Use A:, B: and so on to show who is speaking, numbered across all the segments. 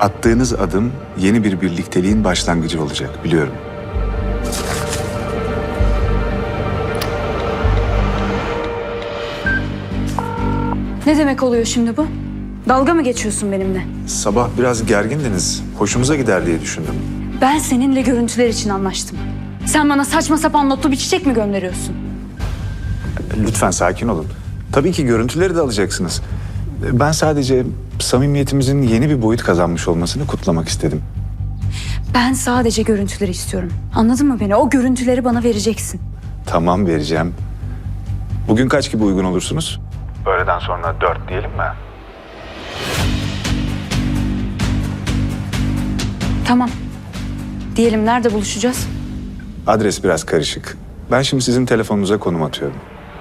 A: Attığınız adım yeni bir birlikteliğin başlangıcı olacak, biliyorum.
B: Ne demek oluyor şimdi bu? Dalga mı geçiyorsun benimle?
A: Sabah biraz gergindiniz. Hoşumuza gider diye düşündüm.
B: Ben seninle görüntüler için anlaştım. Sen bana saçma sapan notlu bir çiçek mi gönderiyorsun?
A: Lütfen sakin olun. Tabii ki görüntüleri de alacaksınız. Ben sadece samimiyetimizin yeni bir boyut kazanmış olmasını kutlamak istedim.
B: Ben sadece görüntüleri istiyorum. Anladın mı beni? O görüntüleri bana vereceksin.
A: Tamam, vereceğim. Bugün kaç gibi uygun olursunuz? Öğleden sonra 4 diyelim mi?
B: Tamam. Diyelim nerede buluşacağız?
A: Adres biraz karışık. Ben şimdi sizin telefonunuza konum atıyorum.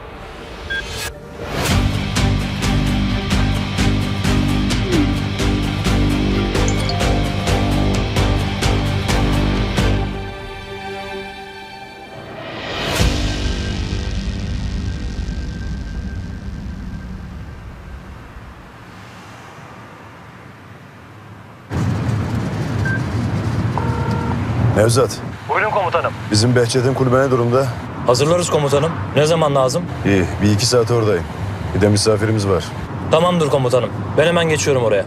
C: Nevzat,
D: Buyurun komutanım.
C: bizim Behçet'in kulübe ne durumda?
D: Hazırlarız komutanım. Ne zaman lazım?
C: İyi, bir iki saat oradayım. Bir de misafirimiz var.
D: Tamamdır komutanım. Ben hemen geçiyorum oraya.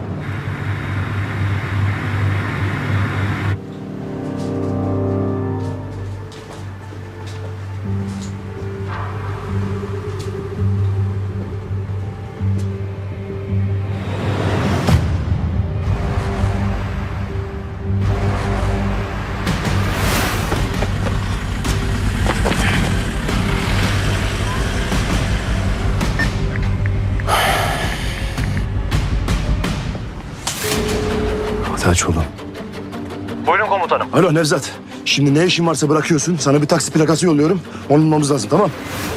C: Hadi aç oğlum.
D: Buyurun komutanım.
C: Alo Nevzat, şimdi ne işin varsa bırakıyorsun. Sana bir taksi plakası yolluyorum. Onu bulmamız lazım, tamam?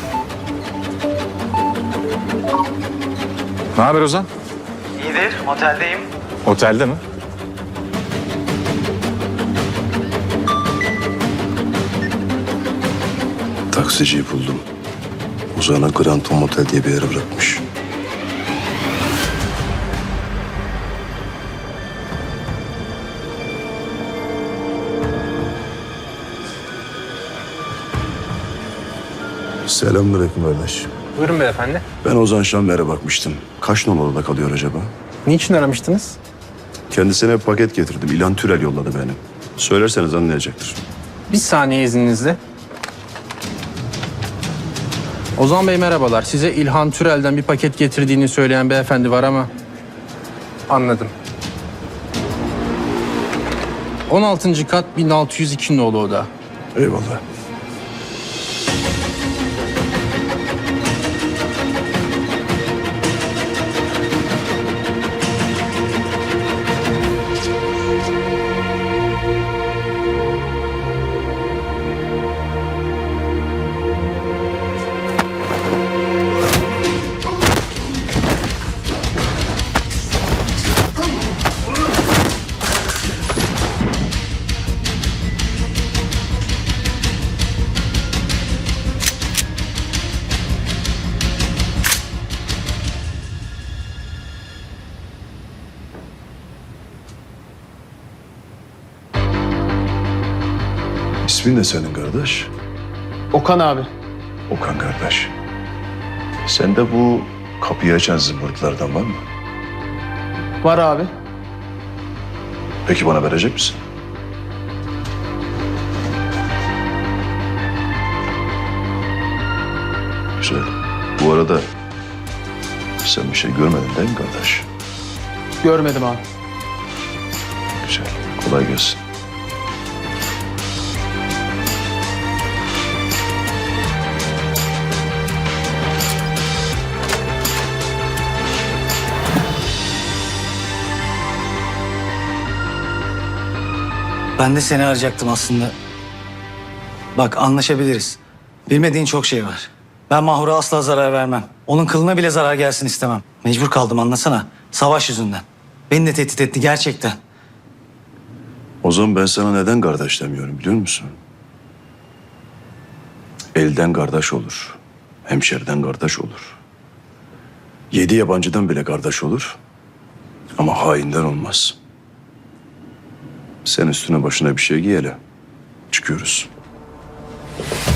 A: Ne haber Ozan?
E: İyidir, oteldeyim.
A: Otelde mi?
C: Taksiciyi buldum. Uzağına Grand Tom Otel diye bir yere bırakmış. Selamünaleyküm kardeş.
E: Buyurun beyefendi.
C: Ben Ozan Şamber'e bakmıştım. Kaç numaralı kalıyor acaba?
E: Niçin aramıştınız?
C: Kendisine bir paket getirdim. İlhan Türel yolladı beni. Söylerseniz anlayacaktır.
E: Bir saniye izninizle. Ozan Bey merhabalar. Size İlhan Türel'den bir paket getirdiğini söyleyen beyefendi var ama... Anladım. 16. kat 1602 nolu oda.
C: Eyvallah. İsmin ne senin kardeş?
E: Okan abi.
C: Okan kardeş. Sende bu kapıyı açan zımbırtılardan var mı?
E: Var abi.
C: Peki bana verecek misin? Güzel. Bu arada sen bir şey görmedin değil mi kardeş?
E: Görmedim abi.
C: Güzel. Kolay gelsin.
F: Ben de seni arayacaktım aslında. Bak anlaşabiliriz. Bilmediğin çok şey var. Ben Mahur'a asla zarar vermem. Onun kılına bile zarar gelsin istemem. Mecbur kaldım anlasana. Savaş yüzünden. Beni de tehdit etti gerçekten.
C: O zaman ben sana neden kardeş demiyorum biliyor musun? Elden kardeş olur. Hemşeriden kardeş olur. 7 yabancıdan bile kardeş olur. Ama hainden olmaz. Sen üstüne başına bir şey giy hele. Çıkıyoruz.